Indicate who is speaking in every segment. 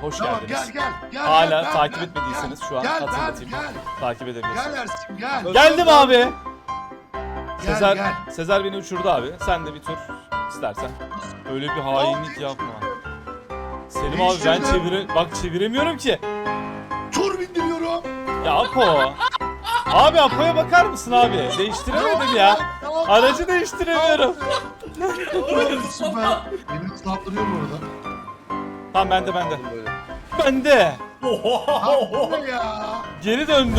Speaker 1: hoş
Speaker 2: Tamam
Speaker 1: geldiniz.
Speaker 2: gel.
Speaker 1: Hala
Speaker 2: gel,
Speaker 1: takip
Speaker 2: gel,
Speaker 1: etmediyseniz
Speaker 2: gel,
Speaker 1: şu an
Speaker 2: gel,
Speaker 1: hatırlatayım.
Speaker 2: gel.
Speaker 1: Takip
Speaker 2: Gel
Speaker 1: edebilirsiniz.
Speaker 2: Ersin gel.
Speaker 1: Geldim abi.
Speaker 2: Gel, gel.
Speaker 1: Sezer beni uçurdu abi. Sen de bir tur istersen. Öyle bir hainlik yapma. Selim abi ben çeviremiyorum ki.
Speaker 2: Tur bindiriyorum.
Speaker 1: Ya Apo. Abi Apo'ya bakar mısın abi? Değiştiremedim ya. Aracı değiştiremiyorum.
Speaker 2: Süper. Beni ıslandırıyor bu arada.
Speaker 1: Tamam bende. Bende.
Speaker 2: Ha bu ne ya?
Speaker 1: Geri döndü.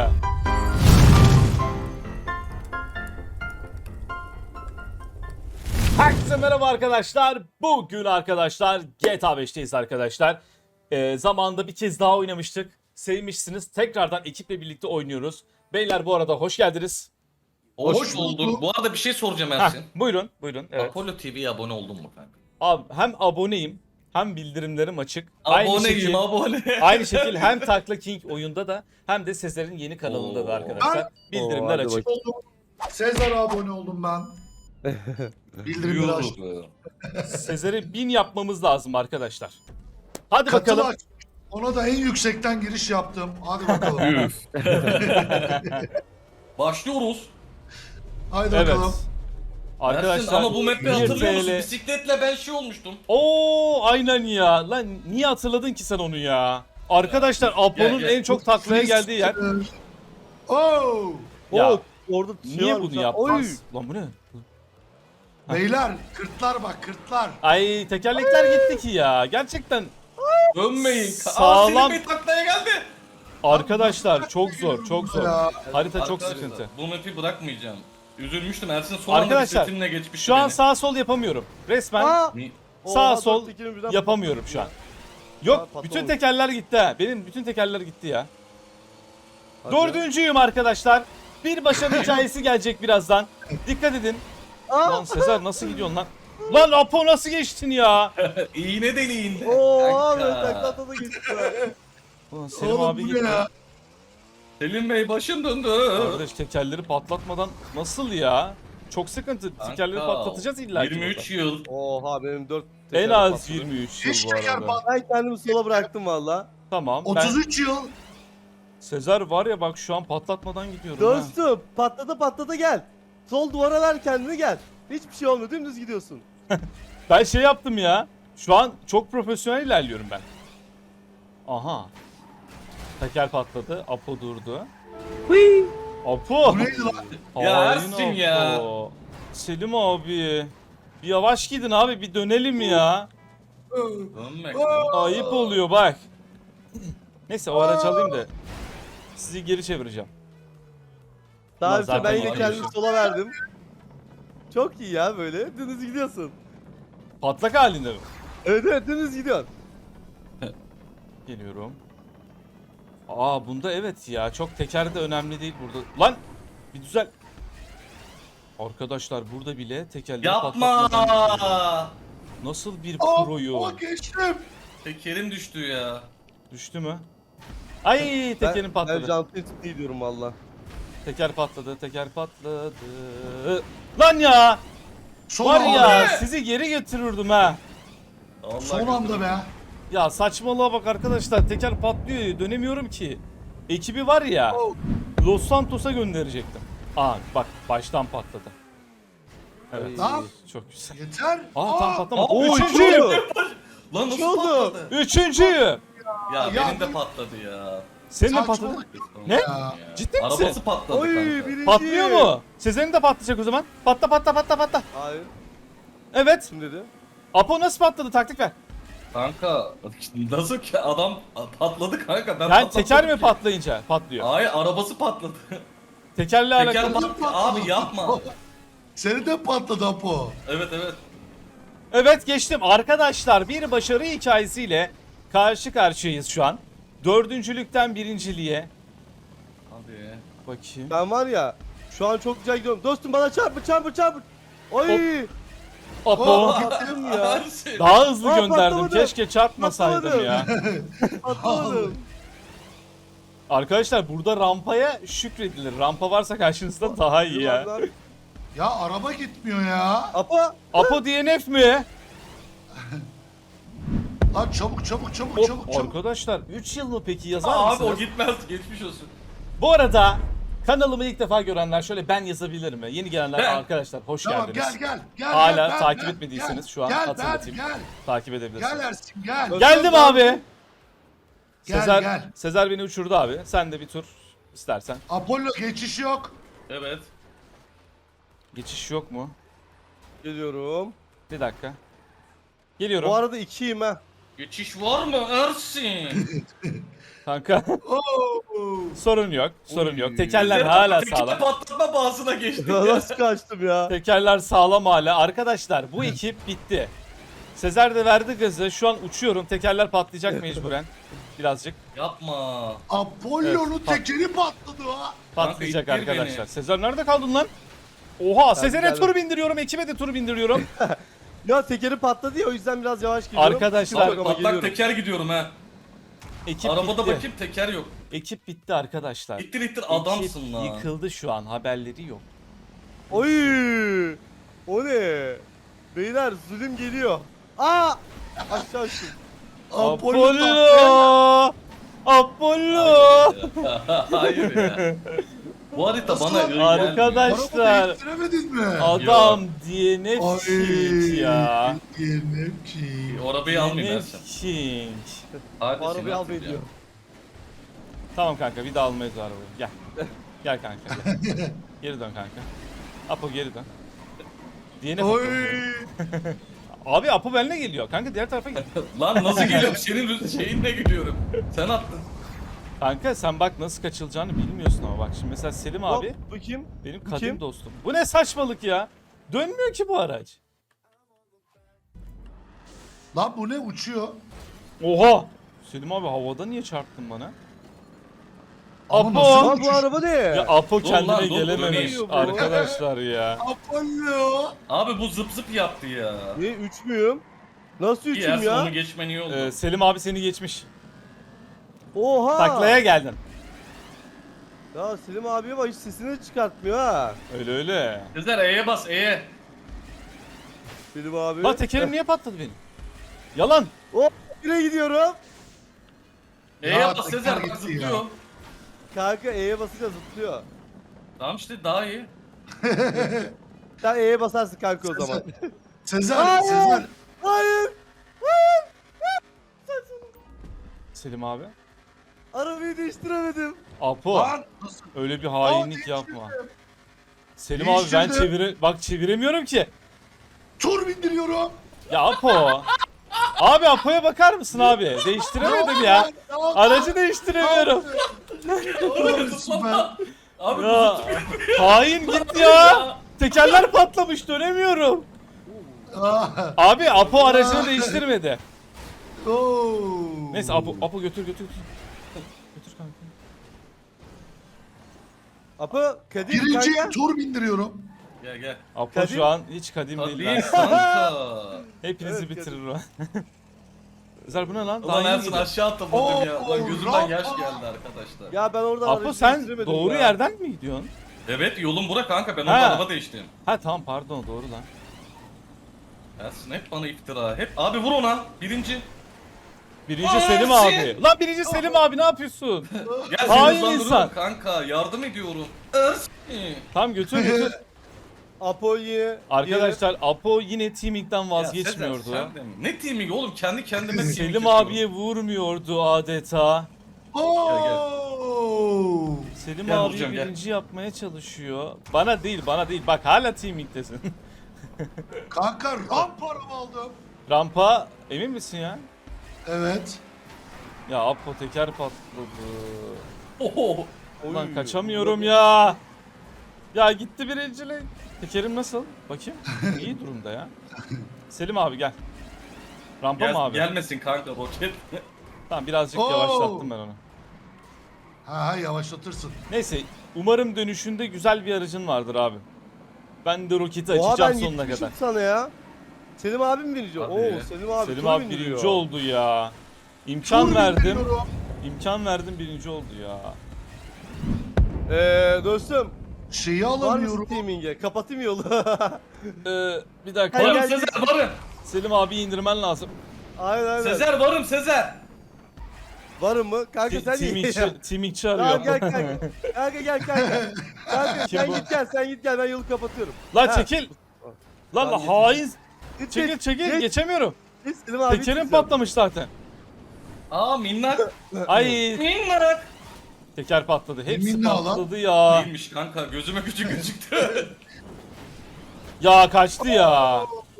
Speaker 1: Herkese merhaba arkadaşlar. Bugün arkadaşlar GTA 5'teyiz arkadaşlar. Zamanında bir kez daha oynamıştık. Sevmişsiniz. Tekrardan ekiple birlikte oynuyoruz. Beyler bu arada hoş geldiniz.
Speaker 3: Hoş bulduk. Bu arada bir şey soracağım Ersin.
Speaker 1: Buyurun. Evet.
Speaker 3: Apollo TV'ye abone oldun mu kanka?
Speaker 1: Abi hem aboneyim hem bildirimlerim açık.
Speaker 3: Abone.
Speaker 1: Aynı şekil hem Takla King oyunda da hem de Sezer'in yeni kanalında da arkadaşlar. Bildirimler
Speaker 4: hadi
Speaker 1: açık.
Speaker 2: Oldum. Sezar'a abone oldum ben. Bildirimleri açtım.
Speaker 1: Sezer'i 1000 yapmamız lazım arkadaşlar. Hadi
Speaker 2: Katıl
Speaker 1: bakalım.
Speaker 2: aç. Ona da en yüksekten giriş yaptım. Hadi bakalım.
Speaker 3: Başlıyoruz.
Speaker 2: Haydi
Speaker 1: Evet.
Speaker 2: bakalım.
Speaker 3: Ersin
Speaker 1: Arkadaşlar
Speaker 3: ama bu map'i
Speaker 1: 1
Speaker 3: hatırlıyor musun?
Speaker 1: TL.
Speaker 3: Bisikletle ben şey olmuştum.
Speaker 1: Oo aynen ya. Lan niye hatırladın ki sen onu ya? Arkadaşlar Apo'nun
Speaker 3: Gel.
Speaker 1: en çok taklaya geldiği yer.
Speaker 2: Oo.
Speaker 1: Ya
Speaker 4: Oh, orada
Speaker 1: niye bunu yaptınız? Lan bu ne?
Speaker 2: Beyler kırtlar bak kırtlar.
Speaker 1: Ay tekerlekler gitti ki ya. Gerçekten
Speaker 3: Dönmeyin.
Speaker 1: Sağlam.
Speaker 3: Selim Bey taklaya geldi.
Speaker 1: arkadaşlar çok zor.
Speaker 2: Ya.
Speaker 1: Harita çok
Speaker 3: Arkadaşlar,
Speaker 1: sıkıntı.
Speaker 3: Bu map'i bırakmayacağım. Üzülmüştüm Ersin son anda
Speaker 1: Arkadaşlar,
Speaker 3: bisikletimle geçmişti
Speaker 1: Şu an
Speaker 3: beni.
Speaker 1: sağ sol yapamıyorum. Resmen
Speaker 3: Ni-
Speaker 1: sağ sol yapamıyorum şu an. Yok
Speaker 4: patlamamış.
Speaker 1: bütün tekerler gitti ha. Benim bütün tekerler gitti ya. Dördüncüyüm arkadaşlar. Bir başarı hikayesi gelecek birazdan. Dikkat edin. Lan Sezer nasıl gidiyorsun lan? Lan Apo nasıl geçtin ya?
Speaker 3: İğne deliğinde.
Speaker 4: Oo abi
Speaker 3: Kanka.
Speaker 4: taklata da gitti.
Speaker 1: Ulan Selim
Speaker 2: Oğlum
Speaker 1: abi
Speaker 2: bu
Speaker 1: gitti.
Speaker 2: ne ya?
Speaker 3: Selim Bey başım döndü.
Speaker 1: Kardeş tekerleri patlatmadan nasıl ya? Çok sıkıntı. Tekerleri
Speaker 3: Kanka,
Speaker 1: patlatacağız illa ki
Speaker 3: 23 yıl.
Speaker 4: Oha benim 4
Speaker 1: En az 23
Speaker 2: Hiç
Speaker 1: yıl bu
Speaker 2: teker
Speaker 1: arada.
Speaker 2: pat.
Speaker 4: Ben kendimi sola bıraktım valla.
Speaker 1: Tamam. Ben
Speaker 2: 33 yıl.
Speaker 1: Sezer var ya bak şu an patlatmadan gidiyorum ha.
Speaker 4: Dostum patlata gel. Sol duvara ver kendini gel. Hiçbir şey olmuyor dümdüz gidiyorsun.
Speaker 1: Ben şey yaptım ya. Şu an çok profesyonel ilerliyorum ben. Aha. Teker patladı. Apo durdu. Apo.
Speaker 2: Bu neydi lan?
Speaker 3: Ya
Speaker 1: Hain
Speaker 3: Ersin ya.
Speaker 1: Apo. Selim abi. Bir yavaş gidin abi bir dönelim ya.
Speaker 3: Dönmek.
Speaker 1: Ayıp oluyor bak. Neyse o aracı alayım da sizi geri çevireceğim.
Speaker 4: Daha
Speaker 1: Ulan
Speaker 4: önce ben
Speaker 1: zaten
Speaker 4: yine
Speaker 1: gidiyorsun.
Speaker 4: kendimi sola verdim. Çok iyi ya böyle dümdüz gidiyorsun.
Speaker 1: Patlak halinde mi?
Speaker 4: Evet dümdüz gidiyorsun.
Speaker 1: Geliyorum. Aa bunda evet ya çok teker de önemli değil burada. Lan bir düzel. Arkadaşlar burada bile tekerleri
Speaker 3: Yapma.
Speaker 1: patlatmadan nasıl bir proyu?
Speaker 2: Aa geçtim.
Speaker 3: Tekerim düştü ya.
Speaker 1: Düştü mü? Ay tekerin
Speaker 4: Ben
Speaker 1: patladı.
Speaker 4: jantı tuttu diyorum valla.
Speaker 1: Teker patladı, teker patladı. Lan ya!
Speaker 2: Son
Speaker 1: Var
Speaker 2: anda.
Speaker 1: ya sizi geri götürürdüm ha.
Speaker 3: Allah
Speaker 2: Son anda be.
Speaker 1: Ya saçmalığa bak arkadaşlar teker patlıyor dönemiyorum ki. Ekibi var ya
Speaker 2: Oh.
Speaker 1: Los Santos'a gönderecektim. Aa bak baştan patladı. Evet
Speaker 2: Lan.
Speaker 1: çok güzel.
Speaker 2: Yeter.
Speaker 1: Aa tam patlamadı.
Speaker 3: Aa,
Speaker 1: Üçüncüyüm.
Speaker 3: Lan nasıl
Speaker 4: Ne oldu?
Speaker 3: patladı?
Speaker 1: Üçüncüyüm.
Speaker 3: Ya
Speaker 2: Ya
Speaker 3: benim de
Speaker 2: bu-
Speaker 3: patladı ya.
Speaker 1: Senin de
Speaker 2: Saçmalık.
Speaker 1: patladı. Ne?
Speaker 2: Ya.
Speaker 1: Ciddi misin?
Speaker 3: Arabası patladı
Speaker 4: Oy
Speaker 3: kanka.
Speaker 4: birinci.
Speaker 1: Patlıyor mu? Sezer'in de patlayacak o zaman. Patla.
Speaker 4: Hayır
Speaker 1: Evet.
Speaker 4: kim dedi?
Speaker 1: Apo nasıl patladı taktik ver.
Speaker 3: Kanka nasıl ki adam patladı kanka ben
Speaker 1: Yani
Speaker 3: patlamadım
Speaker 1: teker mi
Speaker 3: ki.
Speaker 1: patlayınca patlıyor?
Speaker 3: Hayır arabası patladı.
Speaker 1: Tekerle
Speaker 3: Teker
Speaker 1: alakalı.
Speaker 3: patladı. Abi yapma.
Speaker 2: Seni de patladı Apo.
Speaker 3: Evet.
Speaker 1: Evet geçtim. Arkadaşlar bir başarı hikayesiyle karşı karşıyayız şu an. Dördüncülükten birinciliğe.
Speaker 3: Hadi.
Speaker 1: Bakayım.
Speaker 4: Ben var ya şu an çok güzel gidiyorum. Dostum bana çarpı. Oy.
Speaker 1: Apo.
Speaker 4: Patladım ya.
Speaker 3: Ersin.
Speaker 1: Daha hızlı
Speaker 4: Aa,
Speaker 1: gönderdim.
Speaker 4: patlamadı.
Speaker 1: Keşke çarpmasaydım
Speaker 4: Patlamadı.
Speaker 1: ya.
Speaker 4: Patlamadım.
Speaker 1: Arkadaşlar burada rampaya şükredilir. Rampa varsa karşınızda daha iyi ya.
Speaker 2: Ya araba gitmiyor ya.
Speaker 4: Apo.
Speaker 1: Apo DNF mi?
Speaker 2: Lan çabuk çabuk çabuk
Speaker 1: Hop,
Speaker 2: çabuk çabuk.
Speaker 1: arkadaşlar 3 yıl mı peki yazar
Speaker 3: Abi
Speaker 1: mısınız?
Speaker 3: o gitmez. Geçmiş olsun.
Speaker 1: Bu arada kanalımı ilk defa görenler şöyle ben yazabilir mi? Yeni gelenler
Speaker 3: Ben.
Speaker 1: arkadaşlar hoş
Speaker 2: Tamam
Speaker 1: geldiniz.
Speaker 2: gel.
Speaker 1: Hala
Speaker 2: gel,
Speaker 1: takip
Speaker 2: gel,
Speaker 1: etmediyseniz
Speaker 2: gel,
Speaker 1: şu an
Speaker 2: gel,
Speaker 1: hatırlatayım.
Speaker 2: Gel
Speaker 1: Takip edebilirsiniz.
Speaker 2: gel Ersin gel.
Speaker 1: Geldim abi.
Speaker 2: Gel,
Speaker 1: Sezer,
Speaker 2: gel.
Speaker 1: Sezer beni uçurdu abi. Sen de bir tur istersen.
Speaker 2: Apollo geçiş yok.
Speaker 3: Evet.
Speaker 1: Geçiş yok mu?
Speaker 4: Geliyorum.
Speaker 1: Bir dakika. Geliyorum.
Speaker 4: Bu arada 2'yim ha.
Speaker 3: Geçiş var mı Ersin?
Speaker 1: Kanka
Speaker 2: Oo.
Speaker 1: sorun yok. Sorun yok. Tekerler
Speaker 3: Sezer
Speaker 1: hala
Speaker 3: teker
Speaker 1: sağlam.
Speaker 3: patlatma bağısına geçtik ya.
Speaker 4: Nasıl kaçtım ya?
Speaker 1: Tekerler sağlam hala. Arkadaşlar bu ekip bitti. Sezer de verdi gazı. Şu an uçuyorum. Tekerler patlayacak mecburen. Birazcık
Speaker 3: Yapma.
Speaker 2: Apollo'nun
Speaker 1: Evet,
Speaker 2: tekeri patladı ha.
Speaker 1: patlayacak
Speaker 3: Kanka, ittir
Speaker 1: arkadaşlar.
Speaker 3: beni.
Speaker 1: Sezer nerede kaldın lan? Oha Sezer'e
Speaker 4: geldim.
Speaker 1: tur bindiriyorum. Ekibe de tur bindiriyorum.
Speaker 4: Ya tekeri patladı ya o yüzden biraz yavaş gidiyorum.
Speaker 1: Arkadaşlar,
Speaker 4: Sıkıntı yok ama
Speaker 3: Patlak
Speaker 4: geliyorum.
Speaker 3: teker gidiyorum ha.
Speaker 1: Ekip
Speaker 3: Arabada
Speaker 1: bitti.
Speaker 3: bakayım teker yok.
Speaker 1: Ekip bitti arkadaşlar.
Speaker 3: İttir ittir
Speaker 1: Ekip
Speaker 3: adamsın lan.
Speaker 1: yıkıldı şu an. Haberleri yok.
Speaker 4: Oy! O ne? Beyler zulüm geliyor. Aa! Aşağı açtım.
Speaker 1: Apollo! Apollo!
Speaker 3: Hayır ya. Bu harita
Speaker 2: Nasıl
Speaker 3: bana
Speaker 2: lan?
Speaker 3: öyle
Speaker 1: Arkadaş-
Speaker 3: gelmiyor.
Speaker 2: Arabayı ittiremedin mi?
Speaker 1: Adam DNF King ya.
Speaker 2: DNF'ci.
Speaker 3: O arabayı almayayım
Speaker 1: DNF
Speaker 3: Ersin.
Speaker 1: King.
Speaker 3: Hadi
Speaker 4: Bu
Speaker 3: seni
Speaker 4: arabayı
Speaker 3: atayım
Speaker 4: almayı
Speaker 3: ya.
Speaker 4: diyor.
Speaker 1: Tamam kanka bir daha almayız o arabayı. Gel. Gel kanka gel. Geri dön kanka. Apo geri dön. DNF
Speaker 2: Oy.
Speaker 1: Apo. Abi Apo benimle geliyor. Kanka diğer tarafa gel.
Speaker 3: Lan nasıl geliyorum? Senin şeyinle gidiyorum. Sen attın.
Speaker 1: Kanka sen bak nasıl kaçılacağını bilmiyorsun ama bak şimdi mesela Selim abi
Speaker 4: Hop, bu kim?
Speaker 1: benim
Speaker 4: bu
Speaker 1: kadim
Speaker 4: kim?
Speaker 1: dostum. Bu ne saçmalık ya? Dönmüyor ki bu araç.
Speaker 2: Lan bu ne uçuyor?
Speaker 1: Oha! Selim abi havada niye çarptın bana?
Speaker 2: Ama
Speaker 1: Apo!
Speaker 2: nasıl
Speaker 4: Lan bu araba ne?
Speaker 1: Ya Apo
Speaker 3: Dur
Speaker 1: kendine
Speaker 3: lan, dur,
Speaker 1: gelememiş
Speaker 3: dönüyor
Speaker 4: bu.
Speaker 1: arkadaşlar ya.
Speaker 2: Apollo.
Speaker 3: Abi bu zıp zıp yaptı ya.
Speaker 4: Ne 3 müyüm? Nasıl
Speaker 3: İyi
Speaker 4: 3'üm
Speaker 3: Ersin
Speaker 4: ya?
Speaker 3: onu geçmen iyi oldu.
Speaker 1: Selim abi seni geçmiş.
Speaker 4: Oha!
Speaker 1: Taklaya geldin.
Speaker 4: Ya Selim abiye bak hiç sesini çıkartmıyor ha.
Speaker 1: Öyle öyle.
Speaker 3: Sezer E'ye bas E'ye.
Speaker 4: Selim abi.
Speaker 1: Bak tekerim niye patladı benim? Yalan.
Speaker 4: Hop yine gidiyorum.
Speaker 3: E'ye
Speaker 2: Ya,
Speaker 3: bas
Speaker 2: teker
Speaker 3: Sezer bak
Speaker 2: gitti
Speaker 3: zıplıyor.
Speaker 2: ya.
Speaker 4: Kanka E'ye basınca zıplıyor.
Speaker 3: Tamam işte daha iyi.
Speaker 4: Sen E'ye basarsın kanka o zaman.
Speaker 2: Sezer,
Speaker 4: Hayır.
Speaker 2: Sezer.
Speaker 4: Hayır.
Speaker 1: Selim abi.
Speaker 4: Arabayı değiştiremedim.
Speaker 1: Apo
Speaker 2: Lan nasıl?
Speaker 1: öyle bir hainlik
Speaker 2: değiştirdim.
Speaker 1: yapma. Selim abi ben bak çeviremiyorum ki.
Speaker 2: Tur bindiriyorum.
Speaker 1: Ya Apo. Abi Apo'ya bakar mısın abi? Değiştiremedim ya. Aracı değiştiremiyorum.
Speaker 2: Süper.
Speaker 3: Abi bu
Speaker 1: Ya
Speaker 3: zıplıyor.
Speaker 1: hain git ya. Tekerler patlamış dönemiyorum.
Speaker 2: Ah.
Speaker 1: Abi Apo aracını değiştirmedi.
Speaker 2: Oo.
Speaker 1: Neyse Apo götür. Götür kanka.
Speaker 4: Apo Kadir
Speaker 2: Birinci
Speaker 4: kanka.
Speaker 2: tur bindiriyorum.
Speaker 3: Gel gel.
Speaker 1: Apo
Speaker 4: Kadim-
Speaker 1: şu an hiç kadim değil.
Speaker 3: Tabii
Speaker 1: lan.
Speaker 3: kanka.
Speaker 1: Hepinizi
Speaker 4: Evet,
Speaker 1: bitirir o. Güzel bu ne lan?
Speaker 3: Ulan
Speaker 1: Daha
Speaker 3: Ersin
Speaker 1: yeni
Speaker 3: aşağı atladım ya.
Speaker 2: Oo,
Speaker 3: Lan gözümden yaş
Speaker 2: Rafa.
Speaker 3: geldi arkadaşlar.
Speaker 4: Ya ben orada
Speaker 1: Apo
Speaker 4: aracı
Speaker 1: sen
Speaker 4: değiştiremedim
Speaker 1: doğru
Speaker 4: ya.
Speaker 1: yerden mi gidiyorsun?
Speaker 3: Evet yolum bura kanka ben
Speaker 1: Ha.
Speaker 3: orada araba değiştim.
Speaker 1: Ha tamam pardon doğru lan.
Speaker 3: Ersin hep bana iftira. Hep abi vur ona. Birinci.
Speaker 1: Birinci
Speaker 3: Aa,
Speaker 1: Selim
Speaker 3: Ersin!
Speaker 1: abi. Lan birinci Selim abi ne yapıyorsun?
Speaker 3: Gel
Speaker 1: Hain
Speaker 3: seni
Speaker 1: insan.
Speaker 3: hızlandırıyorum kanka. Yardım ediyorum. Ersin.
Speaker 1: Tamam götür.
Speaker 4: Apo yine.
Speaker 1: Arkadaşlar Apo yine teaming'den
Speaker 3: Ya
Speaker 1: vazgeçmiyordu.
Speaker 3: Sezer, sen de mi? Ne teaming oğlum kendi kendime teaming
Speaker 1: Selim
Speaker 3: yapıyorum.
Speaker 1: abiye vurmuyordu adeta.
Speaker 2: Oo.
Speaker 1: Selim
Speaker 3: Gel
Speaker 1: abi
Speaker 3: vuracağım, gel.
Speaker 1: birinci yapmaya çalışıyor. Bana değil. Bak hala teaming'desin.
Speaker 2: Kanka ramp araba aldım.
Speaker 1: Rampa emin misin ya?
Speaker 2: Evet.
Speaker 1: Ya Apo teker patladı.
Speaker 3: Oho.
Speaker 1: Ulan
Speaker 4: Oy.
Speaker 1: kaçamıyorum ya. Ya gitti birincilik. Tekerim nasıl? Bakayım. İyi durumda ya. Selim abi gel. Rampa mı abi?
Speaker 3: Gelmesin kanka roket.
Speaker 1: Tamam birazcık
Speaker 2: Oo.
Speaker 1: yavaşlattım ben onu.
Speaker 2: Ha yavaşlatırsın.
Speaker 1: Neyse umarım dönüşünde güzel bir aracın vardır abi. Ben de roketi
Speaker 4: Oha
Speaker 1: açacağım
Speaker 4: ben
Speaker 1: sonuna
Speaker 4: gitmişim
Speaker 1: kadar.
Speaker 4: sana ya. Selim abim birinci.
Speaker 3: Hadi.
Speaker 4: Oo Selim abi.
Speaker 1: Selim
Speaker 4: tur
Speaker 1: abi
Speaker 4: bindiriyor.
Speaker 1: birinci oldu ya. İmkan
Speaker 2: Tur
Speaker 1: verdim.
Speaker 2: bindiriyorum.
Speaker 1: İmkan verdim birinci oldu ya.
Speaker 4: Dostum.
Speaker 2: Şeyi
Speaker 4: Var mısın
Speaker 2: alamıyorum.
Speaker 4: teaming'e? Kapatayım yolu.
Speaker 1: Bir dakika.
Speaker 4: Hayır,
Speaker 3: Varım
Speaker 4: gel.
Speaker 3: Sezer varım.
Speaker 1: Selim abi indirmen lazım.
Speaker 4: Aynen.
Speaker 3: Sezer varım Sezer.
Speaker 4: Varım mı? Kanka sen iyi.
Speaker 1: Timingçi
Speaker 4: Tamam
Speaker 1: arıyor.
Speaker 4: gel kanka. Kanka gel kanka. Kanka
Speaker 1: Kim
Speaker 4: sen
Speaker 1: bu?
Speaker 4: git gel ben yolu kapatıyorum.
Speaker 1: Lan
Speaker 4: Ha.
Speaker 1: çekil. Lan
Speaker 4: Tamam,
Speaker 1: hain.
Speaker 4: Git,
Speaker 1: Çekil
Speaker 4: git.
Speaker 1: geçemiyorum.
Speaker 4: Git Selim abi.
Speaker 1: Tekerim
Speaker 4: git.
Speaker 1: patlamış zaten.
Speaker 3: Aa minnak.
Speaker 1: Ay
Speaker 3: Minnak.
Speaker 1: teker patladı. Hepsi
Speaker 2: Yeminle lan.
Speaker 1: patladı ya.
Speaker 3: Değilmiş kanka gözüme küçük gözüktü.
Speaker 1: Ya kaçtı ya.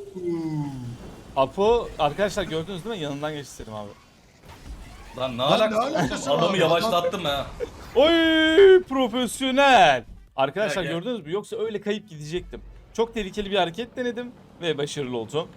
Speaker 1: Apo arkadaşlar gördünüz değil mi? Yanından geçti Selim abi.
Speaker 3: Lan ne
Speaker 2: Lan ne
Speaker 3: alakası
Speaker 2: alakası
Speaker 3: var?
Speaker 2: var?
Speaker 3: Adamı yavaşlattım ha.
Speaker 1: Oy profesyonel. Arkadaşlar
Speaker 3: Gel, gel.
Speaker 1: gördünüz mü? Yoksa öyle kayıp gidecektim. Çok tehlikeli bir hareket denedim ve başarılı oldum.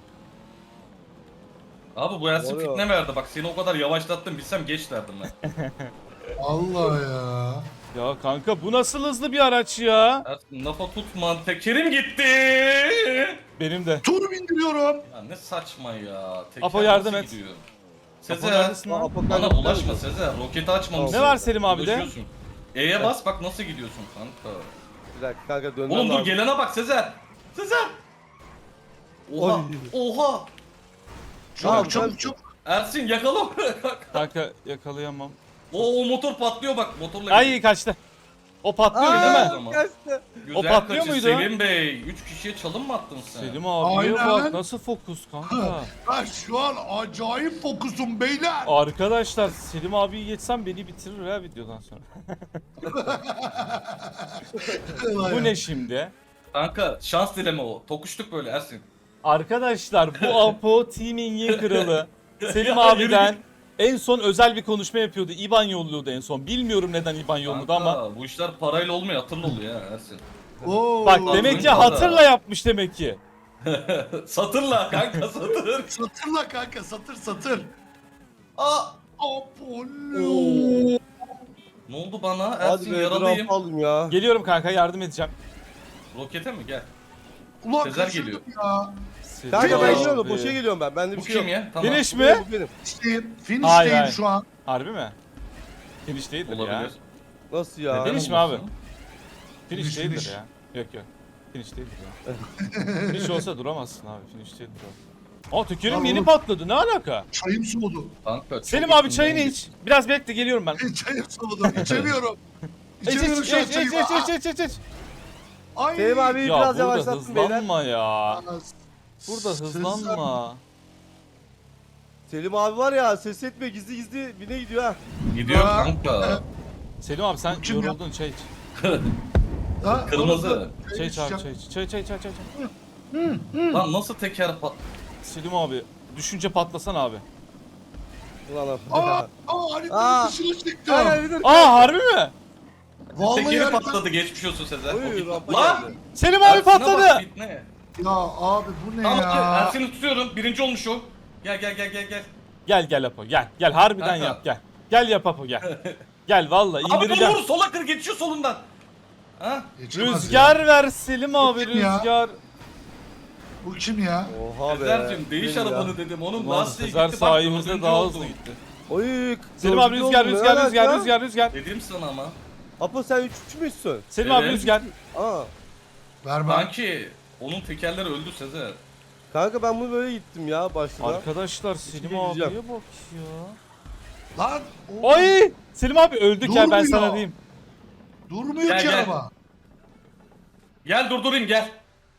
Speaker 3: Abi bu Ersin
Speaker 4: Oluyor.
Speaker 3: fitne verdi bak seni o kadar yavaşlattım bilsem geç derdim ben.
Speaker 2: Allah ya.
Speaker 1: Ya kanka bu nasıl hızlı bir araç ya?
Speaker 3: Ersin lafa tutma tekerim gitti.
Speaker 1: Benim de.
Speaker 2: Tur bindiriyorum.
Speaker 3: Ya ne saçma ya. Teker
Speaker 1: Apo yardım
Speaker 3: nasıl
Speaker 1: et.
Speaker 3: gidiyor?
Speaker 1: Apo
Speaker 3: Sezer
Speaker 1: neredesin lan?
Speaker 4: Apo
Speaker 3: bana
Speaker 4: kanka,
Speaker 3: bulaşma Sezer roketi açmamışsın.
Speaker 1: Ne var Selim abi de?
Speaker 3: Bulaşıyorsun. E'ye bas bak nasıl gidiyorsun kanka.
Speaker 4: Bir dakika kanka dönmem
Speaker 3: Oğlum dur
Speaker 4: lazım.
Speaker 3: gelene bak Sezer. Sezer. Oha.
Speaker 4: Oy.
Speaker 3: Oha.
Speaker 4: Tamam,
Speaker 2: Çabuk çabuk çabuk.
Speaker 3: Ersin yakala.
Speaker 1: Kanka yakalayamam.
Speaker 3: o motor patlıyor bak motorla. gidiyor.
Speaker 1: Ay kaçtı. O patlıyor değil
Speaker 3: Aa.
Speaker 1: mi?
Speaker 3: Zaman.
Speaker 4: Kaçtı.
Speaker 3: Güzel
Speaker 1: O patlıyor
Speaker 3: kaçış
Speaker 1: muydu?
Speaker 3: Selim Bey. 3 kişiye çalım mı attın sen?
Speaker 1: Selim abiye
Speaker 2: Aynen.
Speaker 1: bak nasıl fokus kanka.
Speaker 2: Ben şu an acayip fokusum beyler.
Speaker 1: Arkadaşlar Selim abiyi geçsem beni bitirir ya videodan sonra. Bu ne şimdi?
Speaker 3: Kanka şans dileme o. Tokuştuk böyle Ersin.
Speaker 1: Arkadaşlar bu Apo Teaming'in kralı. Selim
Speaker 3: Ya,
Speaker 1: abiden en son özel bir konuşma yapıyordu. İban yolluyordu en son. Bilmiyorum neden İban yolladı
Speaker 3: Kanka,
Speaker 1: ama.
Speaker 3: bu işler parayla olmuyor hatırla oluyor ya Ersin.
Speaker 2: Oo.
Speaker 1: Bak demek ki
Speaker 3: Kanka.
Speaker 1: hatırla yapmış demek ki.
Speaker 3: Satırla kanka satır.
Speaker 2: Satırla kanka satır satır.
Speaker 3: Aa.
Speaker 2: Apollo.
Speaker 3: Ne oldu bana?
Speaker 4: Hadi
Speaker 3: Ersin
Speaker 4: be
Speaker 3: yaralıyım.
Speaker 4: drop aldım ya.
Speaker 1: Geliyorum kanka yardım edeceğim.
Speaker 3: Rokete mi gel.
Speaker 2: Ulan
Speaker 3: Sezer
Speaker 2: kaçırdım
Speaker 3: geliyor.
Speaker 2: ya.
Speaker 1: Selim
Speaker 4: Kanka ben
Speaker 2: Abi.
Speaker 4: gidiyorum boşa geliyorum ben. Bende
Speaker 3: Bu
Speaker 4: bir şey yok.
Speaker 3: kim ya? Tamam.
Speaker 1: Finish
Speaker 4: Bu
Speaker 1: mi?
Speaker 4: benim, bu benim.
Speaker 2: Finish'teyim.
Speaker 1: Hayır,
Speaker 2: Finish'teyim
Speaker 1: hayır.
Speaker 2: şu an.
Speaker 1: Harbi mi? Finish değildir ya.
Speaker 3: Olabilir.
Speaker 4: Nasıl ya?
Speaker 3: Neden
Speaker 1: Finish mi
Speaker 3: olmasın?
Speaker 1: abi? Finish
Speaker 2: Finish,
Speaker 1: değildir
Speaker 2: finish.
Speaker 1: ya. Yok yok. Finish değildir ya. Finish olsa duramazsın abi. Finish değildir o. Aa tekerim
Speaker 2: Abi
Speaker 1: yeni
Speaker 2: oğlum.
Speaker 1: patladı. Ne alaka?
Speaker 2: Çayım soğudu.
Speaker 3: Kanka, çok
Speaker 1: Selim abi
Speaker 3: üstünden
Speaker 1: çayını
Speaker 3: git.
Speaker 1: iç. Biraz bekle geliyorum ben.
Speaker 2: Çayım soğudu. İçemiyorum.
Speaker 1: İç
Speaker 2: İçemiyorum
Speaker 1: iç
Speaker 2: şu an
Speaker 1: iç
Speaker 2: çayımı.
Speaker 1: iç iç iç.
Speaker 2: Ay.
Speaker 4: Selim abi
Speaker 1: Ya
Speaker 4: biraz
Speaker 1: burada
Speaker 4: yavaşlattın beyler.
Speaker 1: hızlanma ya.
Speaker 2: Aa,
Speaker 1: Burada hızlanma.
Speaker 4: Selim abi var ya ses etme gizli gizli bine gidiyor ha.
Speaker 3: Gidiyor
Speaker 2: Aa.
Speaker 3: kanka.
Speaker 1: Selim abi sen
Speaker 2: Kim ya?
Speaker 1: yoruldun çay iç.
Speaker 2: Ha,
Speaker 3: Kırmızı.
Speaker 2: orada
Speaker 1: Çay iç abi
Speaker 2: içeceğim.
Speaker 1: çay iç. Çay.
Speaker 3: Lan nasıl teker pat...
Speaker 1: Selim abi düşünce patlasan abi.
Speaker 4: Ulan abi.
Speaker 2: Aa haritanın
Speaker 4: Aa.
Speaker 2: dışına çıktım.
Speaker 4: Kanka bir dur.
Speaker 1: Aa harbi mi?
Speaker 2: Vallahi
Speaker 3: Tekeri
Speaker 2: haritanın-
Speaker 3: patladı geçmiş olsun Sezer.
Speaker 4: Oy,
Speaker 3: O gitti.
Speaker 4: rampa
Speaker 3: Lan!
Speaker 4: geldi.
Speaker 1: Selim abi
Speaker 3: Ersin'e bak,
Speaker 1: patladı.
Speaker 3: fitne.
Speaker 2: Ya abi bu ne
Speaker 3: Tamam
Speaker 2: ya?
Speaker 3: Ersin'i tutuyorum. Birinci olmuş o. Gel.
Speaker 1: Gel Apo gel harbiden
Speaker 3: Kanka.
Speaker 1: yap gel. Gel yap Apo gel. Gel vallahi
Speaker 3: Abi
Speaker 1: indireceğim.
Speaker 3: vur sola kır geçiyor solundan. Ha?
Speaker 2: Geçemez
Speaker 1: Rüzgar
Speaker 2: ya.
Speaker 1: ver Selim abi
Speaker 2: Kim ya?
Speaker 1: rüzgar.
Speaker 2: Bu kim ya?
Speaker 4: Oha be.
Speaker 3: Sezer'cim değiş
Speaker 4: Benim ya.
Speaker 3: arabanı dedim. Onun
Speaker 1: Ulan
Speaker 3: lastiği
Speaker 1: Sezer
Speaker 3: gitti. Bak,
Speaker 1: sayemizde
Speaker 3: dördüncü
Speaker 1: daha
Speaker 3: oldu.
Speaker 1: hızlı gitti.
Speaker 4: Oy.
Speaker 1: Selim abi
Speaker 4: dördüncü oldum, ne alaka?
Speaker 1: rüzgar.
Speaker 3: Dedim sana ama.
Speaker 4: Apo sen üçüncü müsün?
Speaker 1: Selim abi
Speaker 3: Evet.
Speaker 1: rüzgar.
Speaker 4: Aa.
Speaker 2: Vermem.
Speaker 3: Kanki onun tekerleri öldü Sezer.
Speaker 4: Kanka ben bunu böyle gittim ya başta.
Speaker 1: Arkadaşlar Selim
Speaker 4: Hiçbir
Speaker 1: abiye
Speaker 4: diyeceğim.
Speaker 1: bak ya.
Speaker 2: Lan. oğlum,
Speaker 1: Ay! Selim abi öldük ya ben
Speaker 2: Durmuyor.
Speaker 1: sana diyeyim.
Speaker 2: Durmuyor
Speaker 3: Gel,
Speaker 2: ki
Speaker 3: gel.
Speaker 2: araba.
Speaker 3: Gel durdurayım gel.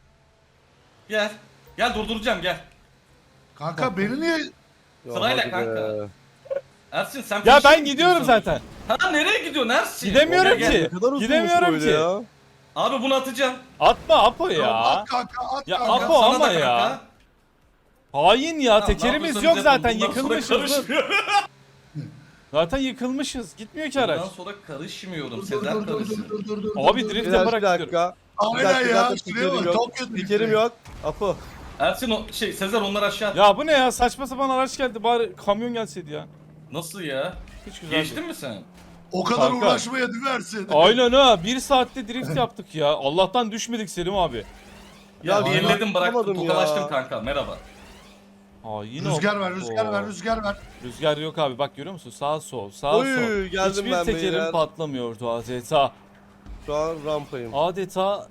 Speaker 3: Gel. Gel durduracağım gel.
Speaker 2: Kanka beni niye...
Speaker 4: Ya
Speaker 3: Sırayla
Speaker 4: hadi
Speaker 3: kanka.
Speaker 4: be.
Speaker 3: Ersin sen
Speaker 1: Ya
Speaker 3: finish'e
Speaker 1: ben
Speaker 3: mi
Speaker 1: gidiyorum
Speaker 3: gidiyorsun?
Speaker 1: zaten.
Speaker 3: Ha nereye gidiyorsun Ersin?
Speaker 1: Gidemiyorum
Speaker 3: Gel,
Speaker 1: ki.
Speaker 3: gel.
Speaker 4: Ne kadar uzunmuş
Speaker 1: Gidemiyorum
Speaker 4: böyle
Speaker 1: ki.
Speaker 4: ya.
Speaker 3: Abi bunu atacağım.
Speaker 1: Atma Apo ya.
Speaker 2: At kanka at
Speaker 1: Ya
Speaker 2: kanka.
Speaker 1: Apo
Speaker 3: Sana
Speaker 1: ama
Speaker 3: da
Speaker 1: ya.
Speaker 3: kanka.
Speaker 1: Hain ya
Speaker 3: Tamam,
Speaker 1: tekerimiz
Speaker 3: ne
Speaker 1: yok
Speaker 3: yapıyorsanız
Speaker 1: zaten
Speaker 3: yapın. Bundan sonra
Speaker 1: yıkılmışız. Dur.
Speaker 3: karışmıyorum.
Speaker 1: Zaten yıkılmışız. Gitmiyor ki araç.
Speaker 3: Bundan sonra karışmıyorum.
Speaker 2: Dur,
Speaker 3: Sezer
Speaker 2: dur, dur,
Speaker 3: karışsın.
Speaker 2: dur.
Speaker 1: Abi
Speaker 2: dur.
Speaker 1: drift
Speaker 4: Biraz
Speaker 1: yaparak
Speaker 4: bir
Speaker 1: gidiyorum.
Speaker 4: dakika. Bir
Speaker 2: Aynen
Speaker 4: dakika
Speaker 2: ya.
Speaker 4: zaten
Speaker 2: Şuraya
Speaker 4: spikerim
Speaker 2: bak.
Speaker 4: yok.
Speaker 2: Çok kötü.
Speaker 4: Spikerim yok. Apo.
Speaker 3: Ersin o şey Sezer onları aşağı.
Speaker 1: Ya bu ne ya saçma sapan araç geldi bari kamyon gelseydi ya.
Speaker 3: Nasıl ya?
Speaker 1: Hiç güzel
Speaker 3: Geçtin
Speaker 1: değil.
Speaker 3: mi sen?
Speaker 2: O kadar
Speaker 1: Kanka.
Speaker 2: uğraşmaya düversin.
Speaker 1: Aynen ha 1 saatte drift yaptık ya. Allah'tan düşmedik Selim abi.
Speaker 3: Ya
Speaker 4: Ya
Speaker 3: bir
Speaker 2: ben
Speaker 3: elledim bıraktım
Speaker 4: yapamadım
Speaker 3: tokalaştım
Speaker 4: ya.
Speaker 3: kanka merhaba.
Speaker 1: Aa yine
Speaker 2: Rüzgar
Speaker 1: o-
Speaker 2: ver, rüzgar ver,
Speaker 1: Oo.
Speaker 2: rüzgar ver.
Speaker 1: Rüzgar yok abi bak görüyor musun? Sağ sol sağ
Speaker 4: Oy,
Speaker 1: sol.
Speaker 4: geldim
Speaker 1: Hiçbir
Speaker 4: ben
Speaker 1: tekerim
Speaker 4: beyler.
Speaker 1: patlamıyordu adeta.
Speaker 4: Şu an rampayım.
Speaker 1: Adeta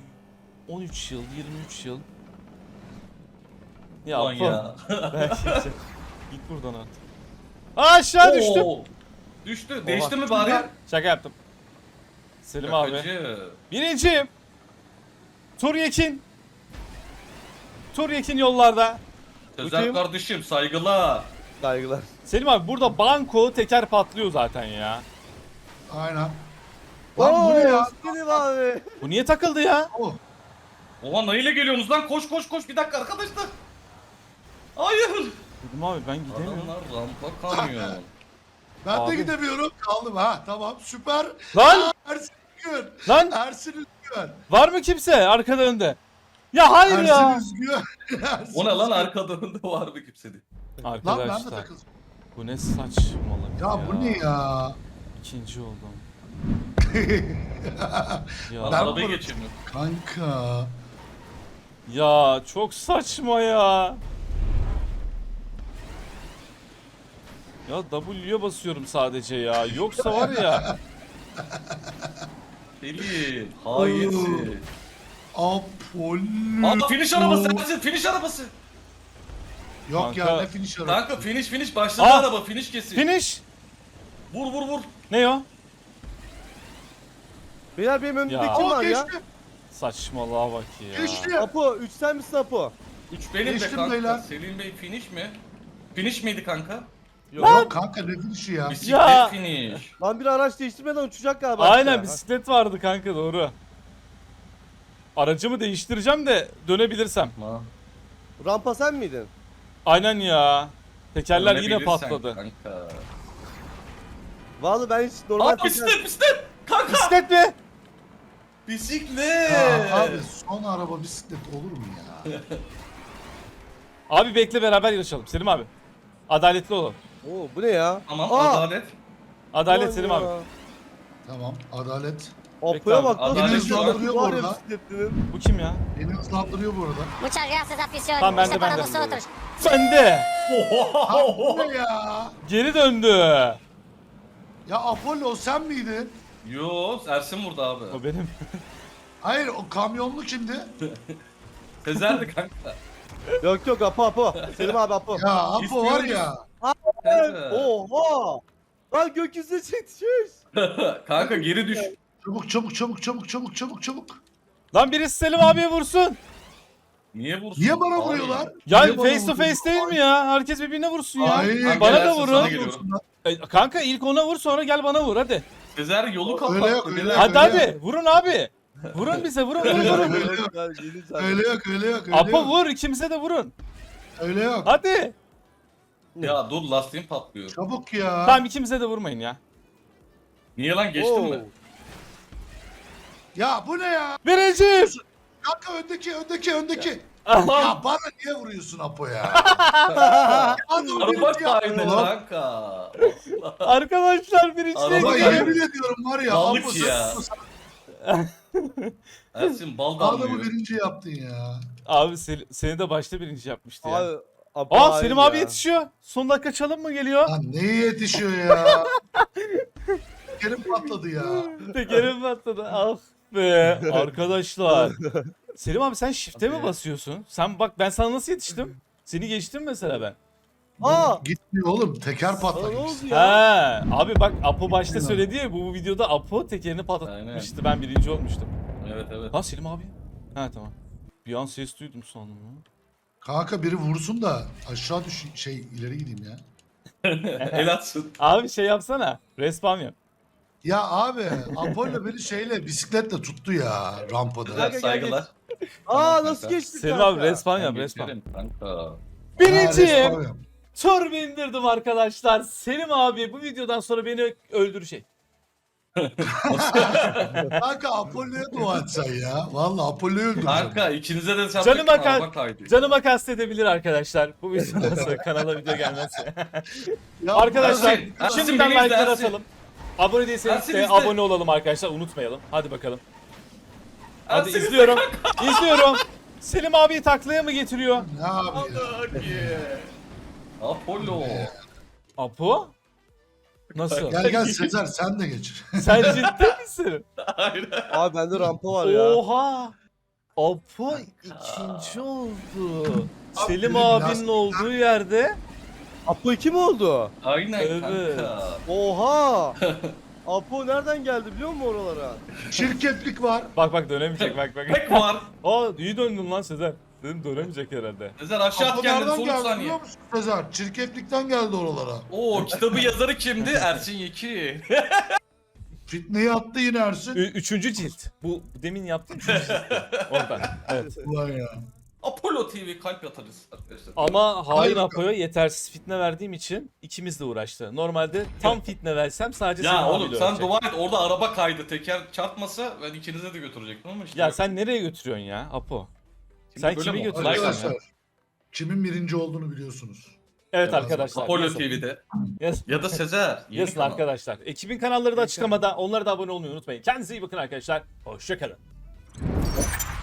Speaker 1: 13 yıl 23 yıl. Ya,
Speaker 3: Ulan
Speaker 1: Apo,
Speaker 3: ya.
Speaker 1: ben geçeceğim. Git buradan artık. Aşağı düştüm.
Speaker 3: Oo. Düştü. Değişti mi bari?
Speaker 1: Şaka yaptım. Selim abi.
Speaker 3: Şakacı.
Speaker 1: Birinciyim. Tur Yekin. Tur Yekin yollarda.
Speaker 3: Sözel
Speaker 1: Bakayım.
Speaker 3: kardeşim saygılar.
Speaker 4: Saygılar.
Speaker 1: Selim abi burada banko teker patlıyor zaten ya.
Speaker 2: Aynen. Lan bu ne ya?
Speaker 4: Selim abi.
Speaker 1: Bu niye takıldı ya?
Speaker 2: Oh.
Speaker 3: Oha neyle geliyorsunuz lan? Koş koş koş. Bir dakika arkadaşlar. Hayır.
Speaker 1: Selim abi ben gidemiyorum.
Speaker 3: Adamlar rampa kamyon.
Speaker 2: Ben
Speaker 1: Abi.
Speaker 2: de gidemiyorum. Kaldım ha. Tamam süper.
Speaker 1: Lan!
Speaker 2: Ersin Üzgün.
Speaker 1: Lan
Speaker 2: Ersin Üzgün.
Speaker 1: var mı kimse arkada önde? Ya hayır
Speaker 2: Ersin
Speaker 1: ya.
Speaker 2: Üzgün. Ersin
Speaker 3: O ne lan
Speaker 2: Üzgün.
Speaker 3: arkada önde var mı kimsedi?
Speaker 2: Lan ben de
Speaker 1: Arkadaşlar
Speaker 2: takıldım.
Speaker 1: bu ne saçmalık
Speaker 2: Ya bu ne ya?
Speaker 1: İkinci oldum.
Speaker 3: Lan
Speaker 1: Ya,
Speaker 3: arabayı
Speaker 2: bunu-
Speaker 3: geçirmiyor.
Speaker 2: Kanka.
Speaker 1: ya çok saçma ya. Ya W'ye basıyorum sadece ya. Yoksa var ya.
Speaker 3: Selim. Hainsin.
Speaker 2: Apollo.
Speaker 3: Aa finish arabası Ersin. Finish arabası.
Speaker 2: Yok ya
Speaker 1: Kanka.
Speaker 2: ne finish arabası.
Speaker 3: Kanka finish başladı
Speaker 1: Aa.
Speaker 3: araba. Finish kesin.
Speaker 1: Finish.
Speaker 3: Vur vur vur.
Speaker 1: Ne o?
Speaker 4: Beyler benim önümde
Speaker 1: Ya.
Speaker 4: kim
Speaker 2: Aa
Speaker 4: var ya?
Speaker 2: geçtim.
Speaker 1: Saçmalığa bak ya.
Speaker 2: Geçtim.
Speaker 4: Apo 3 sen misin Apo?
Speaker 3: 3 benim
Speaker 2: Geçtim
Speaker 3: de kanka.
Speaker 2: beyler.
Speaker 3: Selim Bey finish mi? Finish miydi kanka?
Speaker 2: Yok kanka ne finish'i ya?
Speaker 3: Bisiklet
Speaker 1: Ya.
Speaker 3: finish.
Speaker 4: Lan bir araç değiştirmeden uçacak galiba.
Speaker 1: Aynen
Speaker 4: aşağı.
Speaker 1: bisiklet vardı kanka doğru. Aracımı değiştireceğim de dönebilirsem.
Speaker 3: Ma.
Speaker 4: Rampa sen miydin?
Speaker 1: Aynen ya. Tekerler yine
Speaker 3: Dönebilirsen
Speaker 1: patladı.
Speaker 3: Kanka.
Speaker 4: Vallahi ben hiç normal
Speaker 3: Aa bisiklet. Kanka.
Speaker 1: Bisiklet mi?
Speaker 3: Bisiklet.
Speaker 2: Ya abi son araba bisiklet olur mu ya?
Speaker 1: Abi bekle beraber yarışalım Selim abi. Adaletli olalım.
Speaker 4: Oo bu ne ya?
Speaker 3: Tamam
Speaker 4: Aa!
Speaker 3: adalet.
Speaker 1: Adalet
Speaker 4: Vay
Speaker 1: Selim
Speaker 4: ya.
Speaker 1: abi.
Speaker 2: Tamam adalet.
Speaker 1: Bekle
Speaker 4: Apo'ya
Speaker 1: abi,
Speaker 4: bak nasıl
Speaker 3: adalet
Speaker 4: bir
Speaker 3: şu an-
Speaker 2: duruyor
Speaker 4: var ya
Speaker 2: orada.
Speaker 4: bisikletlinin.
Speaker 1: Bu kim ya?
Speaker 2: Beni hızlandırıyor bu arada.
Speaker 5: Muchas gracias, afición.
Speaker 1: Tamam, ben
Speaker 5: Este
Speaker 1: de,
Speaker 5: para
Speaker 1: ben de.
Speaker 5: vosotros.
Speaker 1: Sende.
Speaker 2: Ha bu ne ya?
Speaker 1: Geri döndü.
Speaker 2: Ya Apollo sen miydin?
Speaker 3: Yo Ersin vurdu abi.
Speaker 1: O benim.
Speaker 2: Hayır o kamyonlu kimdi?
Speaker 3: Sezer'di kanka.
Speaker 4: Yok yok Apo. Selim abi Apo.
Speaker 2: Ya Apo var ya.
Speaker 3: Kanka.
Speaker 4: Oha. Lan gökyüzüne çekişmiş.
Speaker 3: Kanka geri düş.
Speaker 2: Çabuk çabuk çabuk çabuk çabuk çabuk çabuk.
Speaker 1: Lan birisi Selim abiye vursun.
Speaker 3: Niye vursun?
Speaker 2: Niye bana
Speaker 3: Abi.
Speaker 2: vuruyorlar?
Speaker 1: Ya
Speaker 2: Niye bana
Speaker 1: face to
Speaker 2: vuruyorlar?
Speaker 1: face değil mi ya? Herkes birbirine vursun ya.
Speaker 2: Hayır.
Speaker 1: Bana
Speaker 3: Gel
Speaker 1: da
Speaker 3: Ersin,
Speaker 1: vurun.
Speaker 3: sana geliyorum.
Speaker 1: Kanka ilk ona vur sonra gel bana vur hadi.
Speaker 3: Sezer yolu kapattı.
Speaker 2: Öyle yok, öyle
Speaker 3: beyler.
Speaker 2: yok.
Speaker 1: Hadi hadi vurun abi. Vurun bize vurun vurun vurun.
Speaker 2: Öyle yok. Öyle yok öyle yok. Öyle
Speaker 1: Apo
Speaker 2: yok.
Speaker 1: vur ikimize de vurun.
Speaker 2: Öyle yok.
Speaker 1: Hadi.
Speaker 3: Ya dur lastiğim patlıyor.
Speaker 2: Çabuk ya.
Speaker 1: Tamam ikimize de vurmayın ya.
Speaker 3: Niye lan geçtin mi?
Speaker 2: Ya bu ne ya?
Speaker 1: Birinciyim.
Speaker 2: Kanka öndeki.
Speaker 1: Allah.
Speaker 2: Ya bana niye vuruyorsun Apo ya? Adam
Speaker 3: Araba
Speaker 2: birinci yaptı
Speaker 3: kaydı
Speaker 2: lan.
Speaker 3: kanka.
Speaker 1: Arkadaşlar birinciye
Speaker 3: Araba
Speaker 2: Ama
Speaker 1: gidiyor.
Speaker 2: yemin ediyorum var ya.
Speaker 3: Balık
Speaker 2: Apo
Speaker 3: ya.
Speaker 2: sen
Speaker 3: Ersin bal
Speaker 2: adamı
Speaker 3: damlıyor.
Speaker 2: birinci yaptın ya.
Speaker 1: Abi seni de başta birinci yapmıştı ya.
Speaker 4: Abi Apo
Speaker 1: Aa
Speaker 4: hain
Speaker 1: Selim
Speaker 4: ya.
Speaker 1: abi yetişiyor. Son dakika çalım mı geliyor?
Speaker 2: Lan neye yetişiyor ya? Kerim patladı ya.
Speaker 1: Tekerim patladı. Ah be arkadaşlar. Selim abi sen shift'e mi
Speaker 3: Hadi.
Speaker 1: basıyorsun? Sen bak ben sana nasıl yetiştim? Seni geçtim mesela ben.
Speaker 4: Aa!
Speaker 2: Gitmiyor oğlum teker
Speaker 4: Sana
Speaker 2: patladı.
Speaker 4: ne oldu
Speaker 1: He
Speaker 4: ya?
Speaker 1: abi bak Apo başta söyledi ya bu videoda Apo tekerini patlatmıştı. Ben birinci olmuştum.
Speaker 3: Evet evet.
Speaker 1: Ha Selim abi. Ha tamam. Bir an ses duydum sandım ya.
Speaker 2: Kanka biri vursun da aşağı düş ileri gideyim ya.
Speaker 3: El atsın.
Speaker 1: Abi şey yapsana. Respawn yap.
Speaker 2: Ya abi Apollo beni bisikletle tuttu ya rampada.
Speaker 3: Güzel
Speaker 4: gel,
Speaker 3: saygılar.
Speaker 4: Aa nasıl
Speaker 3: kanka.
Speaker 4: geçtik
Speaker 1: Selim
Speaker 4: kanka?
Speaker 1: abi respawn
Speaker 3: Ben
Speaker 1: yap respawn.
Speaker 3: geçerim kanka.
Speaker 1: Birinciyim. Tur bindirdim arkadaşlar. Selim abi bu videodan sonra beni öldürecek.
Speaker 2: Kanka Apollo'ya dua et sen ya. Vallahi Apollo'yu öldüreceğim.
Speaker 3: Kanka ikinize de
Speaker 1: Canıma
Speaker 3: araba kaydı.
Speaker 1: Canıma kastedebilir arkadaşlar. Bu videodan sonra kanala video gelmezse.
Speaker 2: Ya
Speaker 1: Arkadaşlar
Speaker 3: Ersin,
Speaker 1: şimdiden
Speaker 3: Ersin,
Speaker 1: like'lar
Speaker 3: Ersin.
Speaker 1: atalım. Abone değilseniz
Speaker 3: Ersin
Speaker 1: de
Speaker 3: izle.
Speaker 1: abone olalım arkadaşlar. Unutmayalım. Hadi bakalım. Hadi
Speaker 3: Ersin
Speaker 1: izliyorum. İzliyorum. Selim abiyi taklaya mı getiriyor?
Speaker 2: Ne abi ya?
Speaker 3: Apollo.
Speaker 1: Apo? Nasıl?
Speaker 2: Gel Sezer sen de geç.
Speaker 1: Sen ciddi misin?
Speaker 3: Hayır.
Speaker 4: Abi bende rampa var ya.
Speaker 1: Oha! Apo ikinci oldu. Selim
Speaker 2: benim
Speaker 1: abinin
Speaker 2: lastikler-
Speaker 1: olduğu yerde
Speaker 4: Apo 2 mi oldu?
Speaker 3: Aynen
Speaker 1: Evet.
Speaker 3: kanka.
Speaker 4: Oha! Apo nereden geldi biliyor musun oralara?
Speaker 2: Çirkeflik var.
Speaker 1: Bak dönemeyecek bak.
Speaker 3: Pek var.
Speaker 1: Aa iyi döndün lan Sezer. Dedim dönemeyecek herhalde.
Speaker 3: Sezer aşağı
Speaker 2: Apo
Speaker 3: at kendini
Speaker 2: nereden
Speaker 3: son 3
Speaker 2: geldi
Speaker 3: saniye.
Speaker 2: biliyor musun Sezer? Çirkeflikten geldi oralara.
Speaker 3: Oo kitabı yazarı kimdi? Ersin Yeki.
Speaker 2: Fitneyi attı yine Ersin.
Speaker 1: Üçüncü cilt. Bu demin yaptığım üçüncü cilt. Oradan. Evet.
Speaker 2: Ulan ya.
Speaker 3: Apollo TV kalp atarız arkadaşlar.
Speaker 1: Ama hain
Speaker 2: Hayır.
Speaker 1: Apo'ya yetersiz fitne verdiğim için ikimiz de uğraştı. Normalde tam fitne versem sadece senin
Speaker 3: Ya oğlum
Speaker 1: abiyle
Speaker 3: sen
Speaker 1: ölecek.
Speaker 3: dua et orada araba kaydı teker çarpmasa ben ikinize de götürecektim ama işte.
Speaker 1: Ya
Speaker 3: yok.
Speaker 1: sen nereye götürüyorsun ya Apo?
Speaker 3: Şimdi
Speaker 1: sen
Speaker 3: böyle
Speaker 1: kimi
Speaker 3: mi oldu?
Speaker 1: götürüyorsun
Speaker 3: Like
Speaker 1: ya?
Speaker 2: Arkadaşlar. Kimin birinci olduğunu biliyorsunuz.
Speaker 1: Evet
Speaker 2: Evet,
Speaker 1: arkadaşlar.
Speaker 3: Apollo
Speaker 1: yazın.
Speaker 3: TV'de.
Speaker 1: Yazın.
Speaker 3: Ya da Sezer. Yeni
Speaker 1: Yazın
Speaker 3: kanal.
Speaker 1: arkadaşlar. Ekibin kanalları da açıklamada. Onlara da abone olmayı unutmayın. Kendinize iyi bakın arkadaşlar. Hoşçakalın.